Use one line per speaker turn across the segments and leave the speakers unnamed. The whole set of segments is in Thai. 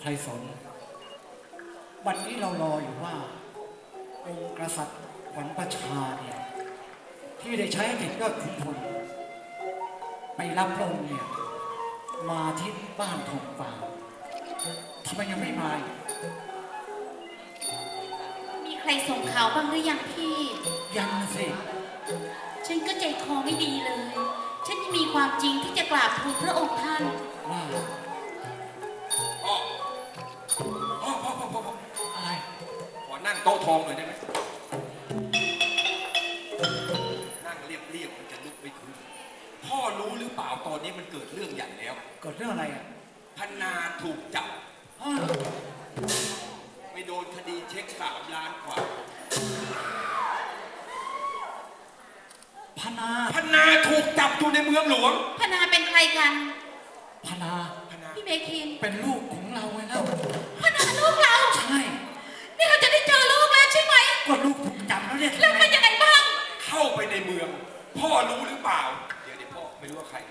รสนวันนี้เรารออยู่ว่าองค์กษัตริย์ขวัญประชาเนี่ยที่ได้ใช้ให้เด็กยอดขุนพลไปรับพระองค์เนี่ยมาที่บ้านทองป่าทำไมยังไม่มาอีก
มีใครส่งข่าวบ้างหรือยังพี่
ยังสิ
ฉันก็ใจคอไม่ดีเลย ฉันมีความจริงที่จะกราบทูลพระองค์ท่าน
ว่า
พ่อพ่อ
อะไร
ขอนั่งโต๊ะทองหน่อยได้ไหมนั่งเรียบมันจะลุกไม่ขึ้นพ่อรู้หรือเปล่าตอนนี้มันเกิดเรื่องใหญ่แล้ว
เกิดเรื่องอะไรอ่ะ
พนาถูกจับ
อ้าว
ไปโดนคดีเช็ค3 ล้านกว่า
พนา
พนาถูกจับอยู่ในเมืองหลวง
พนาเป็นใครกัน
พนา
พนา
พี่เมคิน
เป็นลูกของเราไงเล่า
พนาลูกเรา
ใช่
นี่เราจะได้เจอลูกแล้วใช่ไหม
ก็ลูกถูกจับแล้วเนี่ย
แล้วเป็นยังไงบ้าง
เข้าไปในเมือง พ่อรู้หรือเปล่าเดี๋ยวพ่อไม่รู้ว่าใคร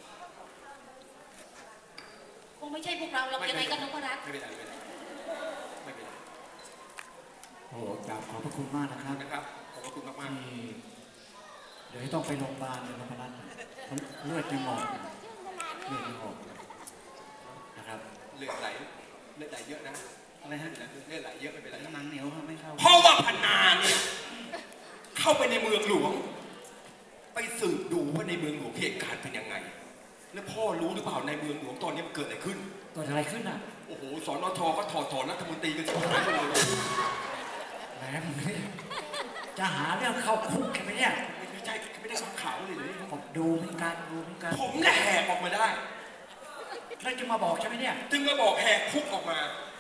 คงไม่ใช่พวกเราหรอกยังไงก็นพรัตน์
ไม่เป็นไรไม่เป็นไร
โอ้โหกราบขอบพระคุณมากนะครับ
นะครับขอบพระคุณมาก
ที่เดี๋ยวต้องไปโรงพยาบาลเลยนพรัตน์เลือดยังออกเลือดยังออกนะครับ
ๆเลือดไหลเยอะนะ
อะไรฮะ
เลือดไหลเยอะไม่เป็นไร
หนังเหนียวครับไม่เข้า
เพราะว่าพนาเนี่ยเข้าไปในเมืองหลวง ไปสืบดูว่าในเมืองหลวงเหตุการณ์เป็นยังไง แล้วพ่อรู้หรือเปล่าในเมืองหลวงตอนนี้มันเกิดอะไรขึ้น
เกิดอะไรขึ้นอ่ะ
โอ้โหสนชก็ถอดถอนรัฐมนตรีกันชิบหายไปเลย
แหมมึงนี่จะหาเรื่องเข้าคุกกันไหมเนี่ย
ไม่ใช่ไม่ได้ฟังข่าวเลยเลย
ผมดูเหมือนกันดูเหมือนกัน
ผมแหละแหกออกมาได้
แล้วจะมาบอกใช่ไหมเนี่ย
จึงมาบอกแหกคุกออกมา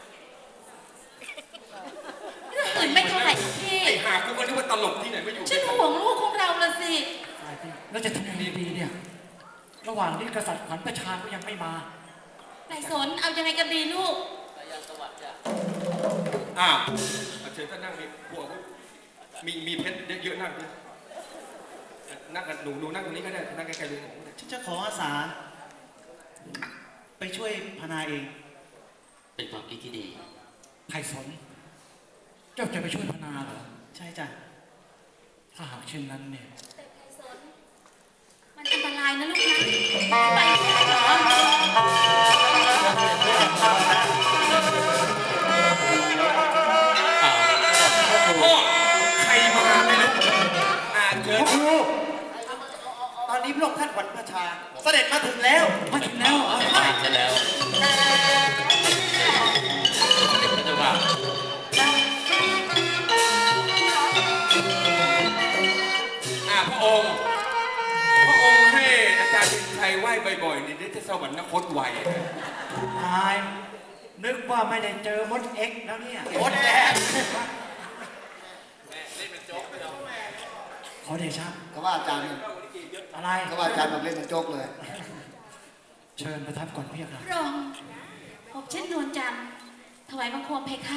เรื่องอื่นไม่เท่าไหร่พี่
ไอ้หากูก็นึกว่าตลกที่ไหนไม่อยู่
ฉันห่วงลูกของเราละสิ
ตายพี่แล้วจะทำยังไงดีเนี่ย ระหว่างที่กษัตริย์ขวัญประชาก็ยังไม่มา
นายสนเอายังไงกันดีลูก
อ้าวเชิญท่านนั่งมีพวกมีเพชรเยอะๆนั่งดินั่งกันหนูนั่งตรงนี้ก็ได้นั่งใกล้ๆลุงผม
ฉันจะขออาสา ไปช่วยพนาเอง
เป็นความคิดที่ดี
ไพศาลเจ้าจะไปช่วยพนาเหรอ
ใช่จ้ะ
ถ้าหากเช่นนั้นเนี่ย
มันอันตรายนะลูกนะไปเหรอ
พ่อใครมาไม่รู้เชิญ
ครู
ตอนนี้พระองค์ท่านขวัญประชา เสด็จมาถึงแล้ว
มาถึงแล้วเหรอ
ไปซะแล้วเด็กก็จะว่า
พระองค์ให้อาจารย์ดินชัยไหว้บ่อยๆนี่ได้จะสวรรคตไว
ตายนึกว่าไม่ได้เจอมดเอ็กซ์แล้วเนี่ย
มดแดง
ขอเดชะ
เขาว่าอาจารย์
อะไร
เขาว่าอาจารย์แบบเล่นเป็นโจ๊กเลย
เชิญประทับก่อนเพี่ค่ะ
รองผมเช่นนวลจันทร์ถวายบังคมเพคะ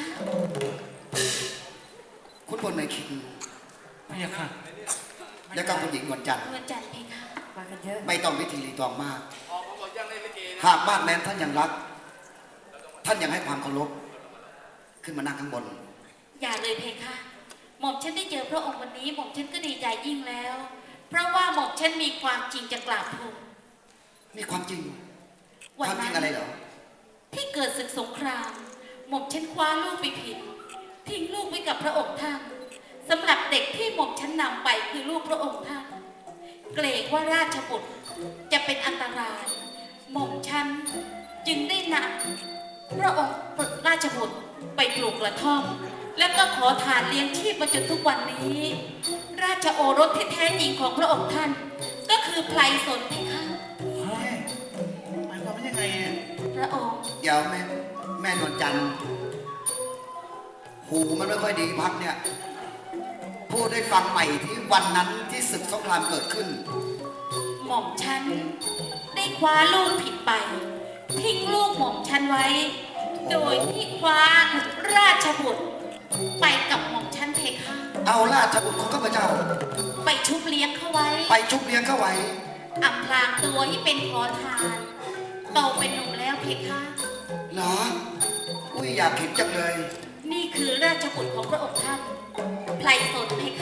คุณพลไม่คิด
เพี่ค่ะ
แล้วก็คุณหญิงนวลจันทร์
นวลจันทร์เพคะ
มากันเยอะ
ไม่ต้องพิธีรีตองมาก หากบ้านแม้นท่านยังรัก ท่านยังให้ความเคารพขึ้นมานั่งข้างบน
อย่าเลยเพคะ หม่อมฉันได้เจอพระองค์วันนี้หม่อมฉันก็ดีใจยิ่งแล้ว เพราะว่าหม่อมฉันมีความจริงจะกราบทูล
มีความจริง ค
วัน
วามจริ
นั้
ง
น
อะไรเหรอ
ที่เกิดศึกสงคราม หม่อมฉันคว้าลูกไปผิด ทิ้งลูกไว้กับพระองค์ท่านสำหรับเด็กที่หม่อมฉันนำไปคือลูกพระองค์ท่าน เกรงว่าราชบุตรจะเป็นอันตราย หม่อมฉันจึงได้นำพระองค์ราชบุตรไปปลูกกระท่อม แล้วก็ขอทานเลี้ยงชีพมาจนทุกวันนี้ ราชโอรสที่แท้จริงของพระองค์ท่าน ก็คือไพลสนเพคะ
หมายความว่ายังไงเนี่ย
พระองค์
เดี๋ยวแม่นวลจันทร์หูมันไม่ค่อยดีพักเนี่ย พูดให้ฟังใหม่ที่วันนั้นที่ศึกสงครามเกิดขึ้น
หม่อมฉันได้คว้าลูกผิดไป ทิ้งลูกหม่อมฉันไว้ โดยที่คว้าราชบุตรไปกับหม่อมฉันเพคะ
เอาราชบุตรของข้าพเจ้า
ไปชุบเลี้ยงเขาไว้
ไปชุบเลี้ยงเข้าไว้
อำพรางตัวให้เป็นขอทานโตเป็นหนุ่มแล้วเพคะ
เหรออุ้ยอยากเห็นจังเลย
นี่คือราชบุตรของพระองค์ท่านไพลสนเพคะ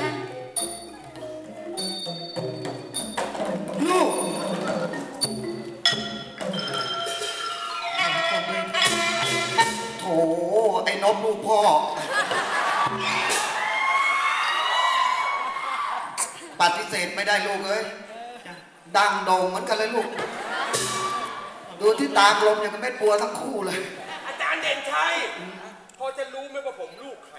ลูก โถไอ้นบลูกพ่อ ปฏิเสธไม่ได้ลูกเอ้ย ดังโด่งเหมือนกันเลยลูก ดูที่ตากลมอย่างกับเม็ดบัวทั้งคู่เลย
อาจารย์เด่นชัยพอจะรู้ไหมว่าผมลูกใคร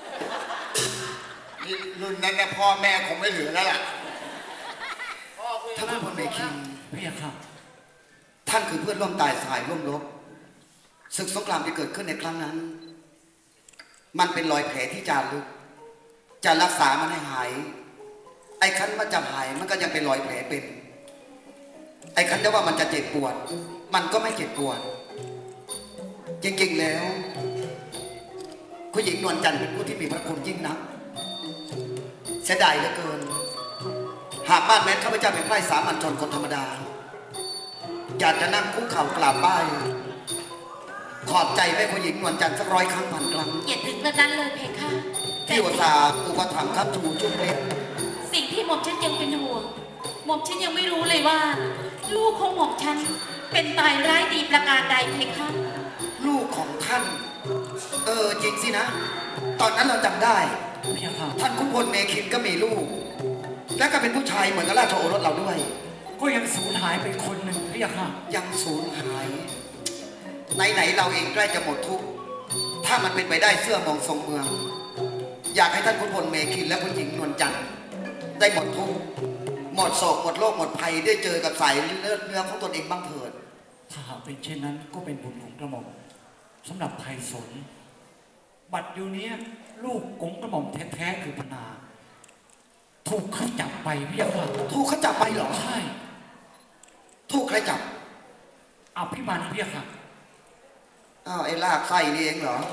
นี่รุ่นนั้นเนี่ยพ่อแม่คงไม่เหลือแล้วล่ะ
ท่านผู้พลเมคิง
พระยาค่ะ
ท่านคือเพื่อนร่วมตายสายร่วมรบศึกสงครามที่เกิดขึ้นในครั้งนั้น มันเป็นรอยแผลที่จารึกจะรักษามันให้หาย ไอ้คันมันจะหายมันก็ยังเป็นรอยแผลเป็น ไอ้คันจะว่ามันจะเจ็บปวด มันก็ไม่เจ็บปวด จริงๆแล้วคุณหญิงนวลจันทร์เป็นผู้ที่มีพระคุณยิ่งนักเสียดายเหลือเกิน หากบ้านแม้นข้าพเจ้าเป็นไพร่สามัญชนคนธรรมดา อยากจะนั่งคุกเข่ากราบไหว้ขอบใจแม่ผู้หญิงนวลจันทร์สัก100 ครั้งพันครั้ง
อย่าถึงกระนั้นเลยเพคะ
ที่อุตส่าห์อุปถัมภ์ครับชูชุบเล็ก
สิ่งที่หม่อมฉันยังเป็นห่วงหม่อมฉันยังไม่รู้เลยว่า ลูกของหม่อมฉันเป็นตายร้ายดีประการใดเพคะ
ลูกของท่าน จริงสินะ ตอนนั้นเราจำได้
พระยาค่ะ
ท่านขุนพลเมคินก็มีลูก และก็เป็นผู้ชายเหมือนกับราชโอรสเราด้วย
ก็ยังสูญหายไปคนหนึ่งพระยาค่ะ
ยังสูญหายไหนๆเราเองใกล้จะหมดทุกข์ถ้ามันเป็นไปได้เสื้อมองทรงเมือง อยากให้ท่านขุนพลเมคินและคุณหญิงนวลจันทร์ได้หมดทุกข์หมดโศกหมดโรคหมดภัยได้เจอกับสายเนื้อของตนเองบ้างเถิด
ถ้าหากเป็นเช่นนั้นก็เป็นบุญของกระหม่อมสำหรับไพศาลบัดอยู่เนี้ยลูกของกระหม่อมแท้ๆคือพนา ถูกเขาจับไปพระยาค่ะ
ถูกเขาจับไปเหรอ
ใช่
ถูกใครจับ
อภิมันพระยาค่ะ
อ้าวไอ้ลากไส้นี่เองเหรอ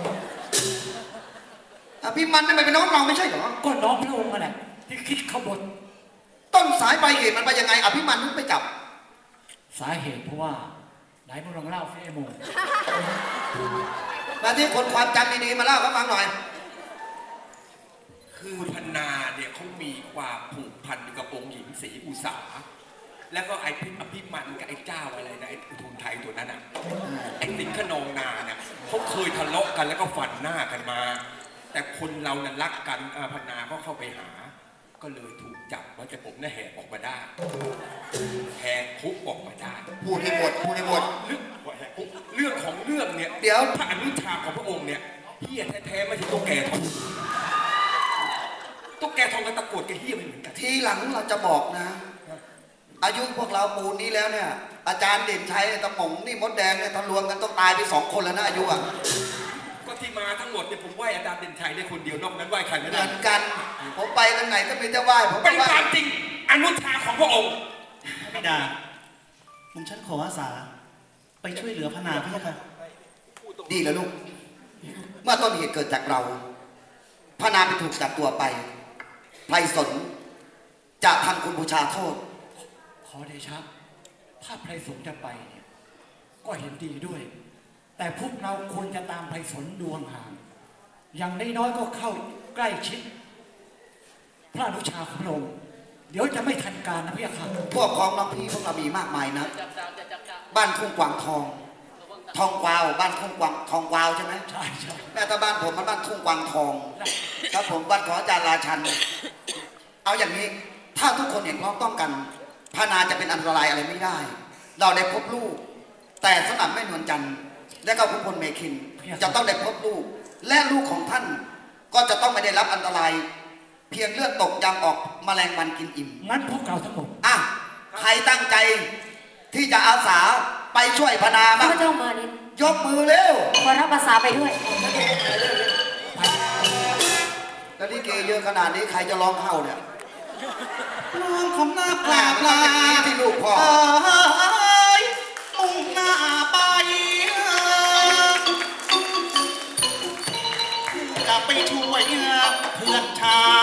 พี่มันนั่นมันเป็นน้องเราไม่ใช่เหรอ
ก็น้องพระองค์นั่นแหละที่คิดขบฏ
ต้นสายปลายเหตุมันไปยังไงอภิมันนึกไปจับ
สาเหตุเพราะว่าไหนมึงลองเล่าสิไอ้โมง
มาที่คนความจำดีๆมาเล่าให้ฟังหน่อย
คือพนาเนี่ยเขามีความผูกพันกับองค์หญิงศรีอุษา แล้วก็ไอ้อภิมันกับไอ้เจ้าอะไรนะไอ้อุทุมไทยตัวนั้นอ่ะไอ้สิงห์ขนองนาเนี่ยเขาเคยทะเลาะกันแล้วก็ฝันหน้ากันมา แต่คนเรานั้นรักกันพนาก็เข้าไปหา ก็เลยถูกจับว่าแต่ผมน่ะแหกออกมาได้แหกคุกออกมาได้
พูดให้หมดพูดให้หมด
เรื่องของเรื่องเนี่ย
เดี๋ยว
พระอนุชาของพระองค์เนี่ยเฮี้ยแท้ๆไม่ใช่ตุ๊กแกทองตุ๊กแกทองกับตะกรวดกับเฮี้ยไม่เหมือนกัน
ทีหลังเราจะบอกนะ อายุพวกเราปูนนี้แล้วเนี่ย อาจารย์เด่นชัยตะหมงนี่มดแดงเนี่ยถ้ารวมกันต้องตายไป2 คนแล้วนะอายุอ่ะ
ก็ที่มาทั้งหมดเนี่ยผมไหว้อาจารย์เด่นชัยได้คนเดียวนอกนั้นไหว้ใครไม่
เห
ได้
มือนกัน ผมไปทางไหนก็มีแต่ไหว้ผม
เป็น
ไหว้
ความจริงอนุชาของพระองค์
ไม่ดาผมฉันขออาสา ไปช่วยเหลือพนาพี่ค่ะ
ดีแล้วลูก เมื่อต้นเหตุเกิดจากเราพระนามไปถูกจับตัวไปไพรสนจะทำคุณบูชาโทษ
ขอเดชะถ้าไพศาลจะไปเนี่ยก็เห็นดีด้วย แต่พวกเราควรจะตามไพศาลดวงห่างอย่างน้อยๆก็เข้าใกล้ชิด พระอนุชาของพระองค์เดี๋ยวจะไม่ทันการนะพี่ค่ะ
พวกของน้องพี่พวกเรามีมากมายนะบ้านทุ่งกวางทอง ทองกวาวบ้านทุ่งกวางทองกวาวใช่ไหม
ใช่ใช่
แม่ตาบ้านผมมันบ้านทุ่งกวางทองครับผมบ้านของอาจารย์ราชัน เอาอย่างนี้ถ้าทุกคนเห็นพ้องต้องกันพานาจะเป็นอันตรายอะไรไม่ได้ เราได้พบลูก แต่สำหรับแม่นวลจันทร์และก็ขุนพลเมคิน จะต้องได้พบลูก และลูกของท่านก็จะต้องไม่ได้รับอันตราย เพียงเลือดตกยางออกแมลงวันกินอิ่ม
งั้นพวกเราทั้งหมด
อ่ะใครตั้งใจที่จะอาสาไปช่วยพนาบ้าง
ข้าพเจ้ามานิด
ยกมือเร็ว
ขอรับภาษาไปด้วย
แล้วนี่เกเยอะขนาดนี้ใครจะร้องเข้าเนี่ย
น้องคำหน้าปลาปลา
ที่ลูกพ่อ
มุ่งหน้าไปจะไปช่วยเพื่อนชา